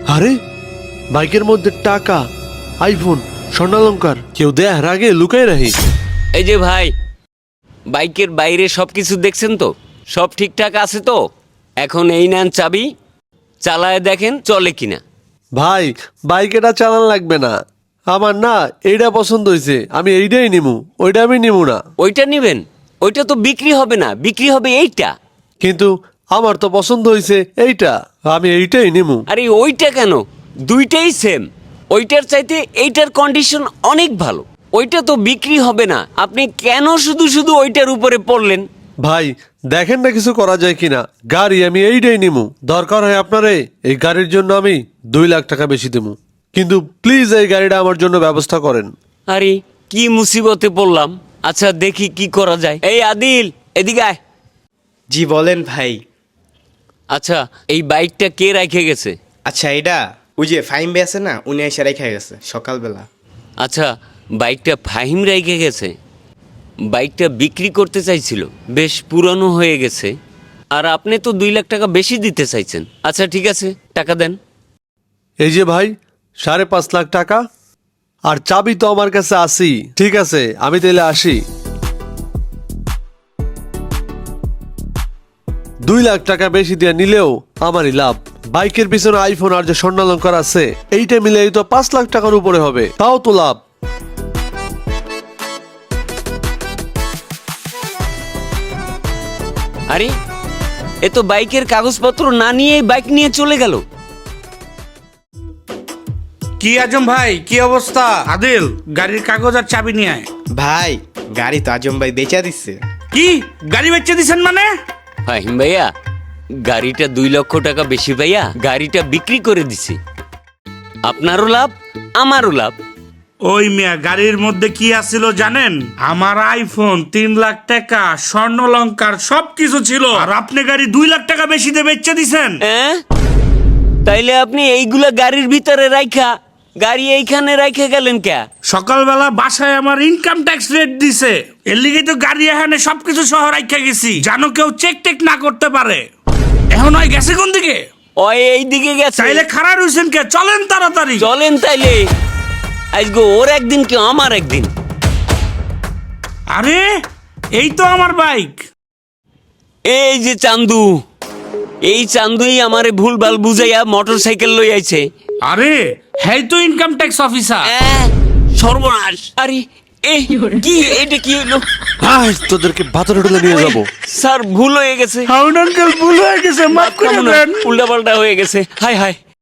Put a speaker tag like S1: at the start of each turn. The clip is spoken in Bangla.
S1: আরে বাইকের মধ্যে টাকা, আইফোন, স্বর্ণালঙ্কার কেউ দেয়ার আগে লুকাই রাখি।
S2: এই যে ভাই, বাইকের বাইরে সবকিছু দেখছেন তো? সব ঠিকঠাক আছে তো? এখন এই নেন চাবি, চালায় দেখেন চলে কিনা।
S1: ভাই বাইক এটা চালান লাগবে না, আমার না এইটা পছন্দ হয়েছে, আমি এইটাই নিমু, ওইটা আমি নিমু না।
S2: ওইটা নিবেন? ওইটা তো বিক্রি হবে না, বিক্রি হবে এইটা।
S1: কিন্তু আমার তো পছন্দ হয়েছে এইটা, আমি এইটাই নিমু।
S2: আরে ওইটা কেন, দুইটাই সেম। ওইটার চাইতে এইটার কন্ডিশন অনেক ভালো। ওইটা তো বিক্রি হবে না, আপনি কেন শুধু শুধু ওইটার উপরে পড়লেন?
S1: ভাই দেখেন না কিছু করা যায় কিনা, গাড়ি আমি এইটাই নিমু, দরকার হয় আপনারে এই গাড়ির জন্য আমি 2 লাখ টাকা বেশি দেবো, কিন্তু প্লিজ এই গাড়িটা আমার জন্য ব্যবস্থা করেন।
S2: আরে কি মুসিবতে পড়লাম। আচ্ছা দেখি কি করা যায়। এই আদিল, এদিকে আয়।
S3: জি বলেন ভাই।
S2: আচ্ছা এই বাইকটা কে রেখে গেছে?
S3: আচ্ছা এটা ওই যে ফাইম বে আছে না, উনি এসে রেখে গেছে সকালবেলা।
S2: আচ্ছা বাইকটা ফাহিম রেখে গেছে। বাইকটা বিক্রি করতে চাইছিল, বেশ পুরনো হয়ে গেছে, আর আপনি তো 2 লাখ টাকা বেশি দিতে চাইছেন। আচ্ছা ঠিক আছে, টাকা দেন।
S1: এই যে ভাই 5.5 লাখ টাকা, আর চাবি তো আমার কাছে আসি। ঠিক আছে আমি তাহলে আসি। 2 লাখ টাকা বেশি দিয়ে নিলেও আমারই লাভ। বাইকের পিছনে আইফোন আর যে স্বর্ণালঙ্কার আছে, এইটা মিলে তো 5 লাখ টাকার উপরে হবে, তাও তো লাভ।
S2: আরে এ তো বাইকের কাগজপত্র না নিয়ে বাইক নিয়ে চলে গেল।
S4: কি আজম ভাই, কি অবস্থা? আদিল, গাড়ির কাগজ আর চাবি নিয়ে আয়।
S3: ভাই গাড়ি তো আজম ভাই বেচা দিচ্ছে।
S4: কি গাড়ি বেচে দিছেন মানে?
S2: ফাহিম ভাইয়া, গাড়িটা 2 লক্ষ টাকা বেশি ভাইয়া, গাড়িটা বিক্রি করে দিছি। আপনারও লাভ, আমারও লাভ।
S4: ওই মিয়া, গাড়ির মধ্যে কি আছিল জানেন? আমার আইফোন, 3 লাখ টাকা, স্বর্ণলঙ্কার সবকিছু ছিল, আর আপনি গাড়ি 2 লাখ টাকা বেশি দিয়ে বেচে দিছেন।
S2: হ্যাঁ, তাইলে আপনি এইগুলা গাড়ির ভিতরে রাইখা গাড়ি এইখানে রাইখে গেলেন কে?
S4: সকালবেলা বাসায় আমার ইনকাম ট্যাক্স রেট দিছে, এর লিগে তো গাড়ি এখানে সবকিছু সহ রাইখা গেছি, জানো কেউ চেক টেক না করতে পারে। এখন ওই গেছে কোন দিকে?
S2: ওই এই দিকে গেছে।
S4: চাইলে খারাপ হইছেন কে? চলেন তাড়াতাড়ি।
S2: চলেন তাইলে, আজকে ওর একদিন কি আমার একদিন।
S4: আরে এই তো আমার বাইক।
S2: এই যে চান্দু, এই চান্দুই আমারে ভুলভাল বুঝাইয়া মোটরসাইকেল লই আইছে।
S4: আরে হ্যাঁ তো ইনকাম ট্যাক্স অফিসার।
S2: সর্বনাশ! আরে এই কি, এটা কি হলো?
S1: আয় তোদেরকে ভাতরে ঢুলে নিয়ে যাবো।
S2: স্যার ভুল হয়ে গেছে,
S4: হাউন আঙ্কেল, ভুল হয়ে গেছে, মাফ করে দেন।
S2: উল্টা পাল্টা হয়ে গেছে। হাই হাই।